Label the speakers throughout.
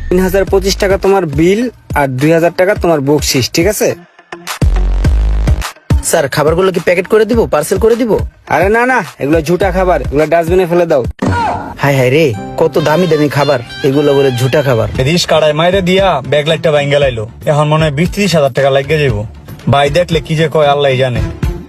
Speaker 1: 3025 টাকা তোমার বিল আর 2000 টাকা তোমার বকশিস, ঠিক আছে?
Speaker 2: স্যার খাবারগুলো কি প্যাকেট করে দিব, পার্সেল করে দিব?
Speaker 1: আরে না না, এগুলো ঝুটা খাবার, এগুলো ডাস্টবিনে ফেলে দাও।
Speaker 2: হায় হায় রে, কত দামি দামি খাবার, এগুলো বলে ঝুটা খাবার।
Speaker 3: রিস কাড়ায় মাইরে দিয়া ব্যাগ লাইটটা ভাঙ্গা লাইলো। এখন মনে হয় 20-30 হাজার টাকা লাগিয়ে যাবো। ভাই দেখলে কি যে কয় আল্লাহ জানে।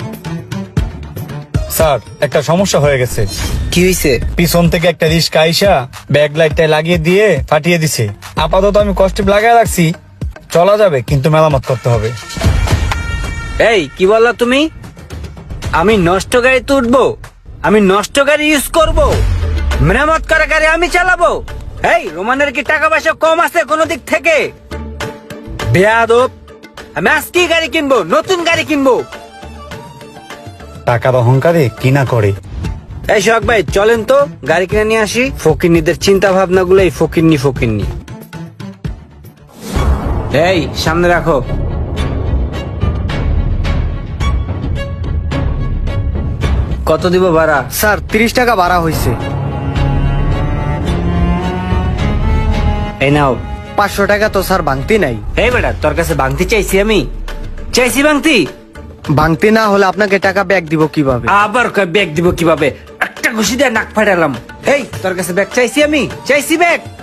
Speaker 3: স্যার একটা সমস্যা হয়ে গেছে।
Speaker 2: কি হইছে?
Speaker 3: পিছন থেকে একটা রিস্কা আইসা ব্যাগ লাইটটা লাগিয়ে দিয়ে ফাটিয়ে দিছে। আপাতত আমি কষ্ট লাগাই রাখছি, চলা যাবে কিন্তু মেরামত করতে হবে।
Speaker 1: এই কি বললা তুমি? আমি নষ্ট গাড়িতে উঠবো? আমি নষ্ট গাড়ি ইউজ করব? মেরামত করা গাড়ি আমি চালাবো? এই রোমানের কি টাকা পয়সা কম আছে কোনো দিক থেকে? বেয়াদব! আমি আজকেই গাড়ি কিনবো, নতুন গাড়ি কিনবো।
Speaker 3: টাকার অহংকারে কিনা করে।
Speaker 1: এই সোহাগ ভাই চলেন তো গাড়ি কিনে নিয়ে আসি। ফকিন্নিদের চিন্তা ভাবনা গুলোই ফকিন্নি। এই সামনে রাখো। কত দিব ভাড়া?
Speaker 4: স্যার 30 টাকা ভাড়া হয়েছে।
Speaker 1: এই নাও।
Speaker 4: 500 টাকা তো স্যার ভাঙতি নাই।
Speaker 1: এই বেটা, তোর কাছে ভাঙতি চাইছি? আমি চাইছি ভাঙতি?
Speaker 4: ভাঙতি না হলে আপনাকে টাকা ব্যাক দিব কিভাবে?
Speaker 1: আবার ব্যাগ দিব কিভাবে? একটা ঘুষি দিয়ে নাক ফাটালাম। এই তোর কাছে ব্যাগ চাইছি? আমি চাইছি ব্যাগ?